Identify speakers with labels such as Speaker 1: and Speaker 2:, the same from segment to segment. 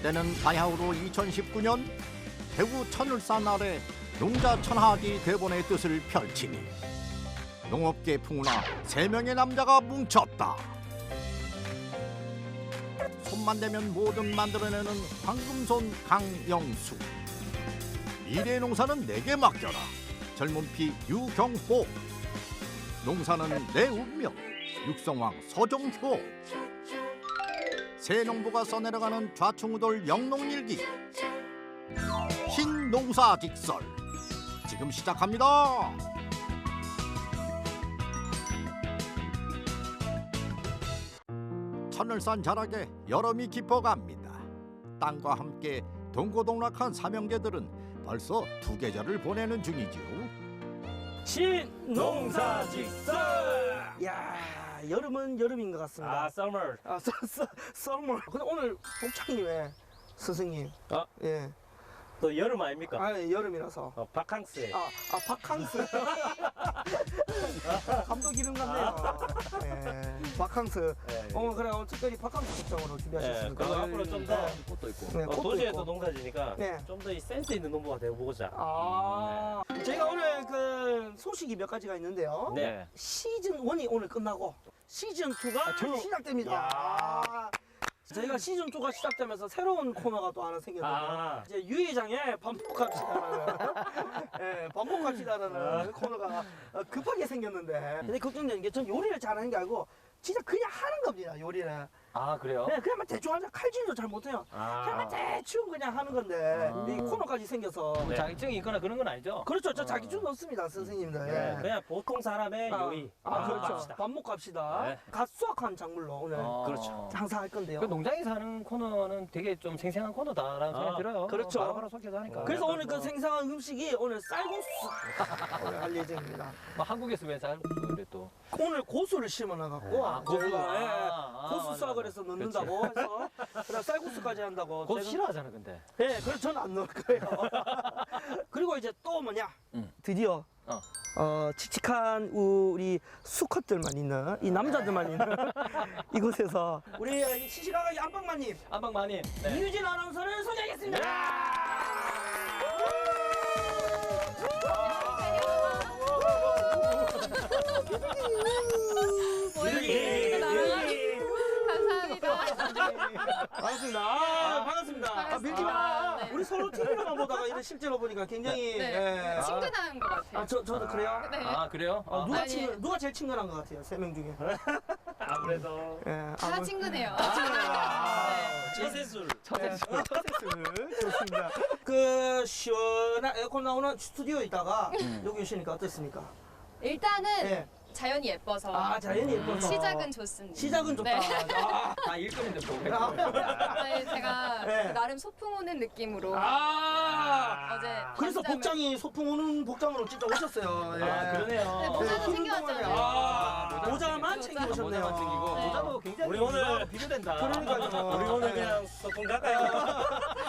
Speaker 1: 때는 바야흐로 2019년 대구 천을산 아래 농자 천하디 대본의 뜻을 펼치니 농업계 풍우나 3명의 남자가 뭉쳤다. 손만 대면 뭐든 만들어내는 황금손 강영수. 미래의 농사는 내게 맡겨라. 젊은 피 유경호. 농사는 내 운명. 육성왕 서정효. 새 농부가 써내려가는 좌충우돌 영농일기. 신농사직설 지금 시작합니다. 천을산 자락에 여름이 깊어갑니다. 땅과 함께 동고동락한 삼형제들은 벌써 2계절을 보내는 중이죠.
Speaker 2: 신농사직설.
Speaker 3: 야, 여름은 여름인 것 같습니다.
Speaker 2: summer.
Speaker 3: 썰물. 근데 오늘 복창님의 스승님. 예.
Speaker 2: 또 여름 아닙니까?
Speaker 3: 여름이라서.
Speaker 2: 바캉스.
Speaker 3: 바캉스. 감독 이름 같네요. 예. 바캉스.
Speaker 2: 예.
Speaker 3: 그래 오늘 특별히 바캉스 복장으로 준비하셨습니다.
Speaker 2: 그리고 앞으로 좀 더
Speaker 1: 꽃도 있고.
Speaker 3: 네, 꽃도
Speaker 2: 도시에서
Speaker 3: 있고.
Speaker 2: 농사지니까
Speaker 3: 네.
Speaker 2: 좀 더 센스 있는 농부가 되어보고자.
Speaker 3: 저희가 오늘 그 소식이 몇 가지가 있는데요.
Speaker 2: 네.
Speaker 3: 시즌 1이 오늘 끝나고 시즌 2가 시작됩니다. 저희가 시즌 2가 시작되면서 새로운 코너가 또 하나 생겼는데요. 이제 유회장의 반복합시다라는 반복합시다라는 코너가 급하게 생겼는데 근데 걱정되는 게 전 요리를 잘하는 게 아니고 진짜 그냥 하는 겁니다. 요리를.
Speaker 2: 그래요?
Speaker 3: 네, 그냥 자대충 하자. 칼질도 잘 못해요. 그냥 대충 그냥 하는 건데 이 코너까지 생겨서
Speaker 2: 네.
Speaker 4: 자격증이 있거나 그런 건 아니죠?
Speaker 3: 그렇죠. 저 자기준 없습니다, 선생님들.
Speaker 2: 네.
Speaker 3: 예.
Speaker 2: 그냥 보통 사람의 요리.
Speaker 3: 그렇죠.
Speaker 2: 반복합시다.
Speaker 3: 반복합시다.
Speaker 2: 네.
Speaker 3: 갓 수확한 작물로 오늘
Speaker 2: 그렇죠.
Speaker 3: 항상 할 건데요.
Speaker 4: 그 농장에 사는 코너는 되게 좀 생생한 코너다라는 생각이 들어요.
Speaker 3: 그렇죠.
Speaker 4: 바로바로 소개도 하니까.
Speaker 3: 그래서 오늘 그 생생한 음식이 오늘 쌀국수 오늘 할 예정입니다.
Speaker 4: 뭐 한국에서 왜 쌀국수를 또
Speaker 3: 오늘 고수를 심어놔갖고
Speaker 4: 고수.
Speaker 3: 고수 수확을 해서 넣는다고 해서 그다음 쌀국수까지 한다고.
Speaker 4: 그거
Speaker 3: 제가-
Speaker 4: 싫어하잖아 근데.
Speaker 3: 네, 그래서 저는 안 넣을 거예요. 그리고 이제 또 뭐냐? 드디어 칙칙한 우리 수컷들만 있는 이 남자들만 있는 이곳에서 우리 시시각각 안방마님
Speaker 4: 안방마님. 네.
Speaker 3: 이유진 아나운서를 소개하겠습니다.
Speaker 5: 감사합니다.
Speaker 3: 반갑습니다. 반갑습니다. 밀지 마.
Speaker 5: 반갑습니다. 네.
Speaker 3: 우리 서로 TV로만 보다가 이런 실제로 보니까 굉장히
Speaker 5: 네. 친근한 것 같아요.
Speaker 3: 저도 그래요.
Speaker 5: 네.
Speaker 4: 그래요?
Speaker 5: 아니.
Speaker 3: 누가 제일 친근한 것 같아요? 3명 중에.
Speaker 2: 아무래도
Speaker 5: 다 친근해요.
Speaker 2: 제세술.
Speaker 3: 좋습니다. 그 시원한 에어컨 나오는 스튜디오에 있다가 여기 오시니까 어떻습니까?
Speaker 5: 일단은
Speaker 3: 네.
Speaker 5: 자연이 예뻐서
Speaker 3: 자연이 예뻐서
Speaker 5: 시작은 좋습니다.
Speaker 3: 시작은 좋다.
Speaker 5: 네.
Speaker 4: 다 일꾼인데 뭐.
Speaker 5: 네, 제가
Speaker 3: 네.
Speaker 5: 나름 소풍 오는 느낌으로 어제
Speaker 3: 그래서
Speaker 5: 밤잠을-
Speaker 3: 복장이 소풍 오는 복장으로 진짜 오셨어요. 예.
Speaker 4: 그러네요.
Speaker 5: 네, 모자도
Speaker 3: 흰
Speaker 5: 챙겨왔잖아요.
Speaker 3: 운동화에 모자만 챙겨
Speaker 5: 모자.
Speaker 3: 오셨네요.
Speaker 4: 모자만 챙기고
Speaker 5: 네.
Speaker 4: 모자도 굉장히
Speaker 2: 우리 오늘
Speaker 4: 유명하고 비교된다.
Speaker 3: 그러니까요.
Speaker 2: 우리 오늘 그냥 소풍 갈까요?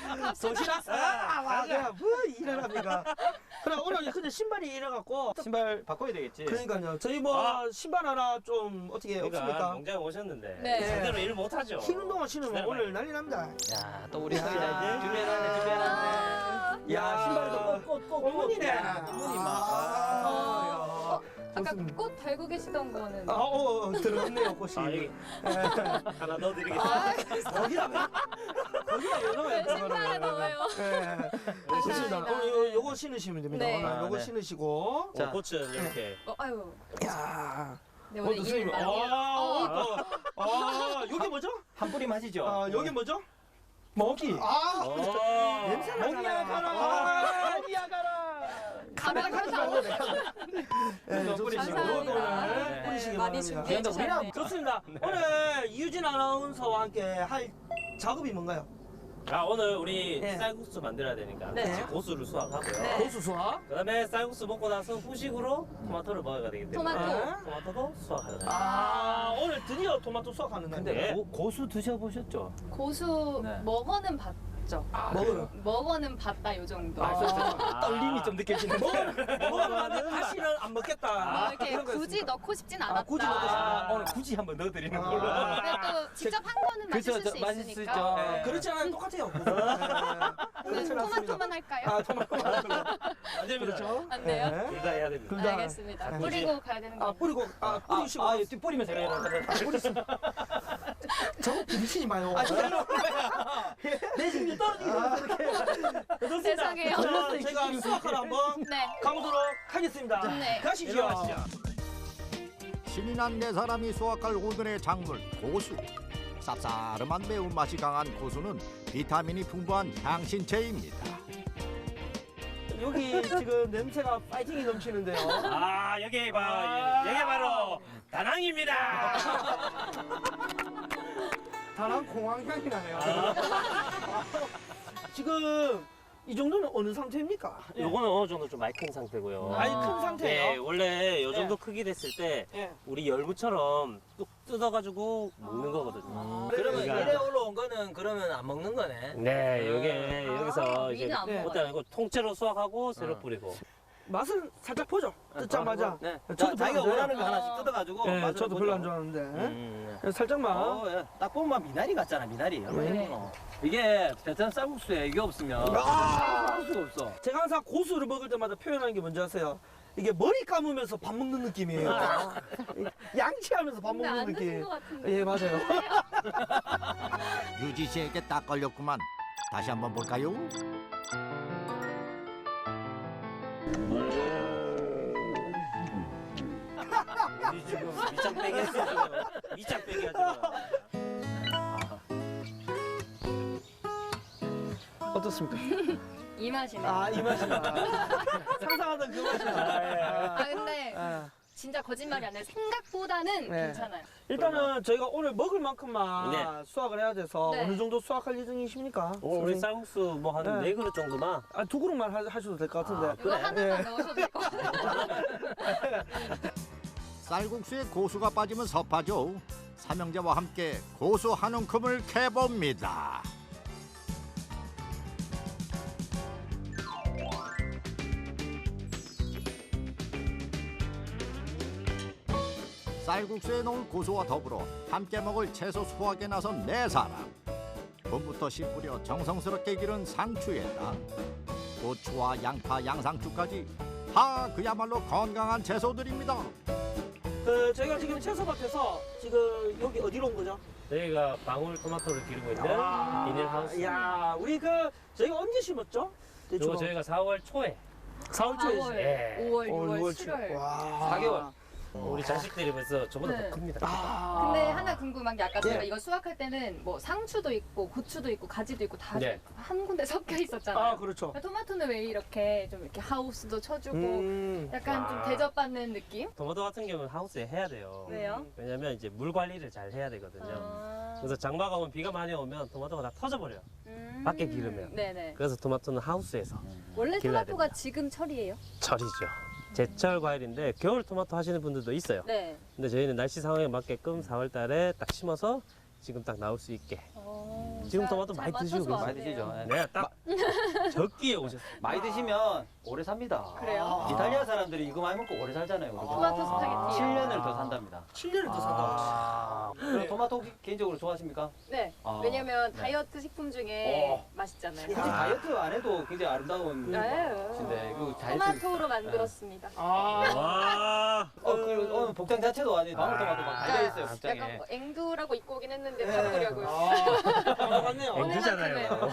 Speaker 3: 내가 뭐 일을 합니까? 그래 오늘 근데 신발이 이래갖고
Speaker 4: 신발 바꿔야 되겠지.
Speaker 3: 그러니까요. 저희 뭐 신발 하나 좀 어떻게
Speaker 2: 그러니까
Speaker 3: 없습니까?
Speaker 2: 농장에 오셨는데
Speaker 5: 네.
Speaker 2: 제대로 일 못하죠.
Speaker 3: 흰 운동화 신으면 오늘 난리 납니다.
Speaker 4: 야, 또 우리
Speaker 3: 야.
Speaker 4: 서희자 준비해놨네, 준비해놨네.
Speaker 3: 야,
Speaker 4: 신발도 꼭
Speaker 3: 꽃무늬네.
Speaker 4: 꽃무늬
Speaker 3: 막.
Speaker 5: 아까 꽃 달고 계시던 거는
Speaker 3: 들어갔네요 꽃이.
Speaker 2: 여기 하나 넣어드리겠습니다.
Speaker 3: 거기다 왜 넣어요?
Speaker 5: 네, 신발에 넣어요.
Speaker 3: 좋습니다. 오늘 요거 신으시면 됩니다.
Speaker 5: 네.
Speaker 3: 오늘 요거
Speaker 4: 네.
Speaker 3: 신으시고.
Speaker 2: 자, 꽃은 이렇게.
Speaker 5: 아유.
Speaker 3: 야.
Speaker 5: 네, 오늘 일 많이 해요.
Speaker 3: 여기 뭐죠?
Speaker 4: 한 뿌리 맞이죠?
Speaker 3: 여기 뭐죠?
Speaker 4: 먹이.
Speaker 3: 냄새 나잖아요.
Speaker 4: 먹이야 가라.
Speaker 5: 가면 항상
Speaker 3: 네,
Speaker 4: 뿌리시고.
Speaker 5: 감사합니다.
Speaker 4: 네.
Speaker 3: 뿌리시기
Speaker 5: 많이
Speaker 3: 바랍니다.
Speaker 5: 준비해
Speaker 4: 우리랑
Speaker 5: 주셨네요.
Speaker 3: 좋습니다. 오늘 이유진 아나운서와 함께 할 작업이 뭔가요?
Speaker 2: 오늘 우리
Speaker 3: 네.
Speaker 2: 쌀국수 만들어야 되니까
Speaker 5: 네.
Speaker 2: 같이 고수를 수확하고요.
Speaker 5: 네.
Speaker 3: 고수 수확.
Speaker 2: 그다음에 쌀국수 먹고 나서 후식으로 토마토를 먹어야 되기 때문에 토마토도 수확하야 돼요.
Speaker 3: 오늘 드디어 토마토 수확하는
Speaker 4: 근데
Speaker 3: 날인데.
Speaker 2: 네.
Speaker 4: 고수 드셔보셨죠?
Speaker 5: 고수
Speaker 4: 네.
Speaker 5: 먹어는 봤죠. 먹어는 봤다 요 정도.
Speaker 3: 떨림이 좀 느껴지는데. 먹으면 다시는 안 먹겠다.
Speaker 5: 이렇게
Speaker 3: 이런 거
Speaker 5: 굳이
Speaker 3: 있습니까?
Speaker 5: 넣고 싶진 않았다.
Speaker 3: 굳이 넣고 싶다.
Speaker 4: 오늘 굳이 한번 넣어드리는 걸로.
Speaker 5: 근데 또 직접 한 거는 맛있을 수
Speaker 4: 맛있을 수
Speaker 5: 있으니까.
Speaker 4: 있죠.
Speaker 3: 네. 그렇지 않아요. 똑같아요.
Speaker 5: 토마토만 할까요?
Speaker 3: 토마토만
Speaker 4: 안 됩니다.
Speaker 3: 그렇죠.
Speaker 5: 안 돼요?
Speaker 3: 네.
Speaker 4: 둘 다 해야 됩니다.
Speaker 3: 둘 다.
Speaker 5: 알겠습니다. 뿌리고 가야 되는 거.
Speaker 3: 뿌리고 뿌리시고.
Speaker 4: 뿌리면서 해야 되는
Speaker 3: 저 부딪히지 마요. 내 심리 떨어지기 전에
Speaker 5: 세상에요.
Speaker 3: 좋습니다. 제가 수학하러 한번
Speaker 5: 네.
Speaker 3: 가보도록 하겠습니다.
Speaker 5: 네.
Speaker 3: 가시죠.
Speaker 1: 신이 난 네 사람이 수확할 오늘의 작물 고수. 쌉싸름한 매운맛이 강한 고수는 비타민이 풍부한 향신채입니다.
Speaker 3: 여기 지금 냄새가 파이팅이 넘치는데요.
Speaker 4: 아, 여기 바로 다낭입니다.
Speaker 3: 다낭 공황향이 나네요. 지금 이 정도는 어느 상태입니까?
Speaker 2: 요거는 어느 정도 좀 많이 큰 상태고요.
Speaker 3: 아니 큰
Speaker 2: 네,
Speaker 3: 상태예요.
Speaker 2: 원래 요 정도
Speaker 3: 예.
Speaker 2: 크기 됐을 때
Speaker 3: 예.
Speaker 2: 우리 열무처럼 뚝 뜯어가지고 먹는 거거든요.
Speaker 4: 그러면
Speaker 2: 그러니까-
Speaker 4: 이래 올라온 거는 그러면 안 먹는 거네.
Speaker 2: 네, 요게 여기서 이제
Speaker 5: 위는 안
Speaker 3: 네.
Speaker 2: 못다 아니고 통째로 수확하고 새로 뿌리고.
Speaker 3: 맛은 살짝 보죠. 뜯자마자.
Speaker 4: 네.
Speaker 3: 저도
Speaker 4: 자기가
Speaker 3: 별로 안
Speaker 4: 원하는 거
Speaker 3: 좋아해요.
Speaker 4: 하나씩 뜯어가지고.
Speaker 3: 네,
Speaker 4: 맛을
Speaker 3: 저도
Speaker 4: 보죠.
Speaker 3: 별로 안 좋아하는데.
Speaker 2: 음.
Speaker 3: 살짝만.
Speaker 4: 예. 딱 보면 미나리 같잖아, 미나리. 얼마나
Speaker 3: 네.
Speaker 4: 예뻐. 이게 베트남 쌀국수에 이게 없으면 할 수가 없어.
Speaker 3: 제가 항상 고수를 먹을 때마다 표현하는 게 뭔지 아세요? 이게 머리 감으면서 밥 먹는 느낌이에요. 양치하면서 밥
Speaker 5: 근데
Speaker 3: 먹는
Speaker 5: 안 드신
Speaker 3: 느낌.
Speaker 5: 것 같은데.
Speaker 3: 예, 맞아요.
Speaker 1: 유지 씨에게 딱 걸렸구만. 다시 한번 볼까요?
Speaker 2: 우리 지금 밑장 빼기 했어 지금. 밑장 빼기 하지 마.
Speaker 3: 어떻습니까?
Speaker 5: 이 맛이네.
Speaker 3: 아, 이 맛이다. 상상하던 그 맛이다.
Speaker 5: 근데
Speaker 3: 아,
Speaker 5: 진짜 거짓말이 아니라 생각보다는
Speaker 3: 네.
Speaker 5: 괜찮아요.
Speaker 3: 일단은 저희가 오늘 먹을 만큼만
Speaker 2: 네.
Speaker 3: 수확을 해야 돼서
Speaker 5: 네.
Speaker 3: 어느 정도 수확할 예정이십니까?
Speaker 2: 오늘 우리
Speaker 3: 선생님?
Speaker 2: 쌀국수 뭐 한
Speaker 3: 네.
Speaker 2: 4그릇 정도만.
Speaker 3: 아, 2그릇만 하셔도 될 것 같은데.
Speaker 5: 이거 하나만 넣으셔도 될 것 같아요.
Speaker 1: 쌀국수에 고수가 빠지면 섭하죠. 삼형제와 함께 고수 한 움큼을 캐봅니다. 쌀국수에 넣을 고수와 더불어 함께 먹을 채소 수확에 나선 네 사람. 봄부터 씨 뿌려 정성스럽게 기른 상추에다 고추와 양파, 양상추까지 다 그야말로 건강한 채소들입니다.
Speaker 3: 저희가 지금 채소밭에서 지금 여기 어디로 온 거죠?
Speaker 2: 저희가 방울 토마토를 기르고 있는 비닐하우스.
Speaker 3: 야, 우리 저희가 언제 심었죠?
Speaker 2: 이거 저희가 4월 초에
Speaker 3: 4월 초에
Speaker 5: 4월,
Speaker 2: 예.
Speaker 5: 5월, 6월,
Speaker 3: 6월
Speaker 5: 7월.
Speaker 3: 와.
Speaker 2: 4개월. 우리 자식들이 벌써 저보다
Speaker 5: 네.
Speaker 2: 더 큽니다.
Speaker 5: 근데 하나 궁금한 게 아까 제가
Speaker 3: 네.
Speaker 5: 이거 수확할 때는 뭐 상추도 있고 고추도 있고 가지도 있고 다
Speaker 2: 네.
Speaker 5: 한 군데 섞여 있었잖아요.
Speaker 3: 아, 그렇죠.
Speaker 5: 토마토는 왜 이렇게 좀 이렇게 하우스도 쳐주고 약간 좀
Speaker 2: 와.
Speaker 5: 대접받는 느낌?
Speaker 2: 토마토 같은 경우는 하우스에 해야 돼요.
Speaker 5: 왜요?
Speaker 2: 왜냐면 이제 물 관리를 잘 해야 되거든요.
Speaker 5: 아.
Speaker 2: 그래서 장마가 오면 비가 많이 오면 토마토가 다 터져버려요. 밖에 기르면.
Speaker 5: 네네.
Speaker 2: 그래서 토마토는 하우스에서
Speaker 5: 원래
Speaker 2: 길러야
Speaker 5: 토마토가
Speaker 2: 됩니다.
Speaker 5: 지금 철이에요?
Speaker 2: 철이죠. 제철 과일인데 겨울 토마토 하시는 분들도 있어요.
Speaker 5: 네.
Speaker 2: 근데 저희는 날씨 상황에 맞게끔 4월 달에 딱 심어서 지금 딱 나올 수 있게. 지금 토마토 많이 드시고 계세요.
Speaker 4: 많이 드시죠. 예.
Speaker 2: 네, 딱 적기에 오셨어요.
Speaker 4: 많이 드시면 오래 삽니다.
Speaker 5: 그래요?
Speaker 4: 이탈리아 사람들이 이거 많이 먹고 오래 살잖아요. 우리가.
Speaker 5: 토마토 스파게티.
Speaker 4: 7년을 더 산답니다.
Speaker 3: 7년을 더 산다.
Speaker 4: 그럼 토마토 개인적으로 좋아하십니까?
Speaker 5: 네.
Speaker 4: 아,
Speaker 5: 왜냐면
Speaker 4: 네.
Speaker 5: 다이어트 식품 중에 맛있잖아요.
Speaker 4: 굳이 다이어트 안 해도 굉장히 아름다운
Speaker 5: 네.
Speaker 4: 것인데 이거 다이어트.
Speaker 5: 토마토로 만들었습니다.
Speaker 2: 와.
Speaker 4: 그리고 오늘 복장 자체도 아니 방울토마토 막 달려 있어요 복장에.
Speaker 5: 약간 뭐 앵두라고 입고 오긴 했는데
Speaker 3: 네.
Speaker 5: 바꾸려고요.
Speaker 3: 맞네요.
Speaker 2: 앵두잖아요.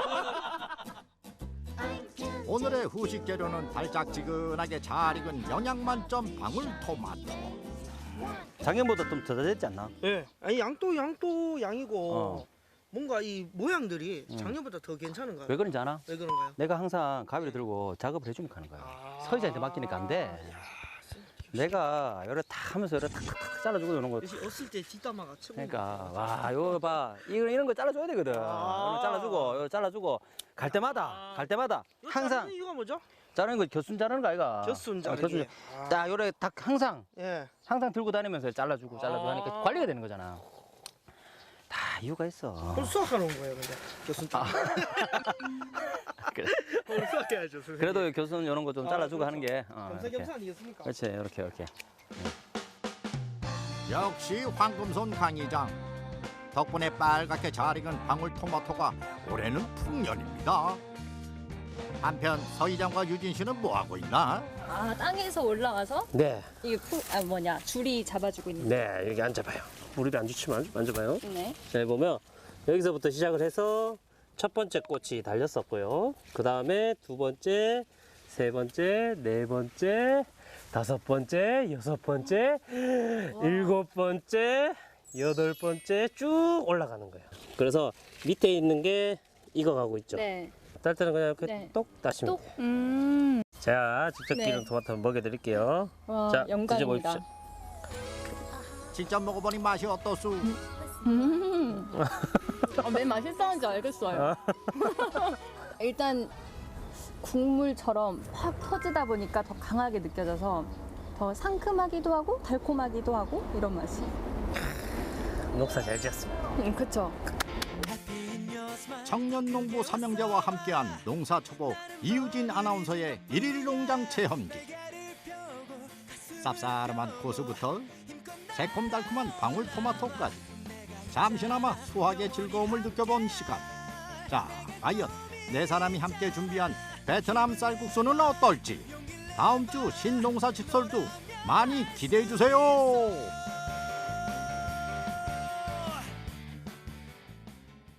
Speaker 1: 오늘의 후식 재료는 달짝지근하게 잘 익은 영양 만점 방울토마토.
Speaker 6: 작년보다 좀 더 됐지 않나?
Speaker 3: 예. 아니 양도 양이고
Speaker 6: 어.
Speaker 3: 뭔가 이 모양들이 작년보다 더 괜찮은가요?
Speaker 6: 왜 그런지 아나?
Speaker 3: 왜 그런가요?
Speaker 6: 내가 항상 가위를 들고 작업을 해주면 하는 거야. 서희자한테 맡기니까 안 돼. 내가 요래 탁 하면서 요래 탁탁탁 잘라주고 이런 거.
Speaker 3: 역시 어릴 때 뒷담화가 최고.
Speaker 6: 그러니까 와 이거 봐 이런 거 잘라줘야 되거든. 요거 잘라주고 요거 잘라주고 갈 때마다 항상
Speaker 3: 이거 뭐죠?
Speaker 6: 자르는 거 겨순 자르는 거 아이가?
Speaker 3: 겨순
Speaker 6: 겨순.
Speaker 3: 자르기.
Speaker 6: 딱 요래 딱 항상
Speaker 3: 예.
Speaker 6: 들고 다니면서 잘라주고 하니까 관리가 되는 거잖아. 다 이유가 있어.
Speaker 3: 그럼 수학하러 온 거예요, 근데 교수님.
Speaker 6: 그래.
Speaker 3: 오늘 수학해야죠, 선생님.
Speaker 6: 그래도 교수는 이런 거 좀 잘라주고 하는 게.
Speaker 3: 겸사겸사 아니겠습니까?
Speaker 6: 그렇지, 이렇게.
Speaker 1: 역시 황금손 강의장. 덕분에 빨갛게 잘 익은 방울토마토가 올해는 풍년입니다. 한편 서희장과 유진 씨는 뭐 하고 있나?
Speaker 5: 아, 땅에서 올라와서
Speaker 2: 네,
Speaker 5: 이게 줄이 잡아주고 있는.
Speaker 2: 네, 여기 앉아봐요. 무릎이 안 좋지만 만져봐요.
Speaker 5: 네.
Speaker 2: 자, 보면 여기서부터 시작을 해서 첫 번째 꽃이 달렸었고요. 그 다음에 두 번째, 세 번째, 네 번째, 다섯 번째, 여섯 번째, 일곱 번째, 여덟 번째 쭉 올라가는 거예요. 그래서 밑에 있는 게 익어가고 있죠.
Speaker 5: 네.
Speaker 2: 딸 때는 그냥 이렇게
Speaker 5: 네.
Speaker 2: 똑 따시면
Speaker 5: 똑.
Speaker 2: 돼요. 자, 직접
Speaker 5: 네.
Speaker 2: 기른 토마토 한번 먹여드릴게요.
Speaker 5: 와,
Speaker 2: 자,
Speaker 5: 영광입니다.
Speaker 2: 드셔보십시오.
Speaker 1: 직접 먹어보니 맛이 어떠수?
Speaker 5: 왜 맛있었는지 알겠어요. 일단 국물처럼 확 터지다 보니까 더 강하게 느껴져서 더 상큼하기도 하고 달콤하기도 하고 이런 맛이.
Speaker 2: 녹사 잘 지었습니다.
Speaker 5: 그쵸.
Speaker 1: 청년 농부 삼형제와 함께한 농사초보 이유진 아나운서의 일일 농장 체험기. 쌉싸름한 고수부터 새콤달콤한 방울토마토까지 잠시나마 수확의 즐거움을 느껴본 시간. 자, 과연 네 사람이 함께 준비한 베트남 쌀국수는 어떨지 다음 주 신농사 직설도 많이 기대해 주세요.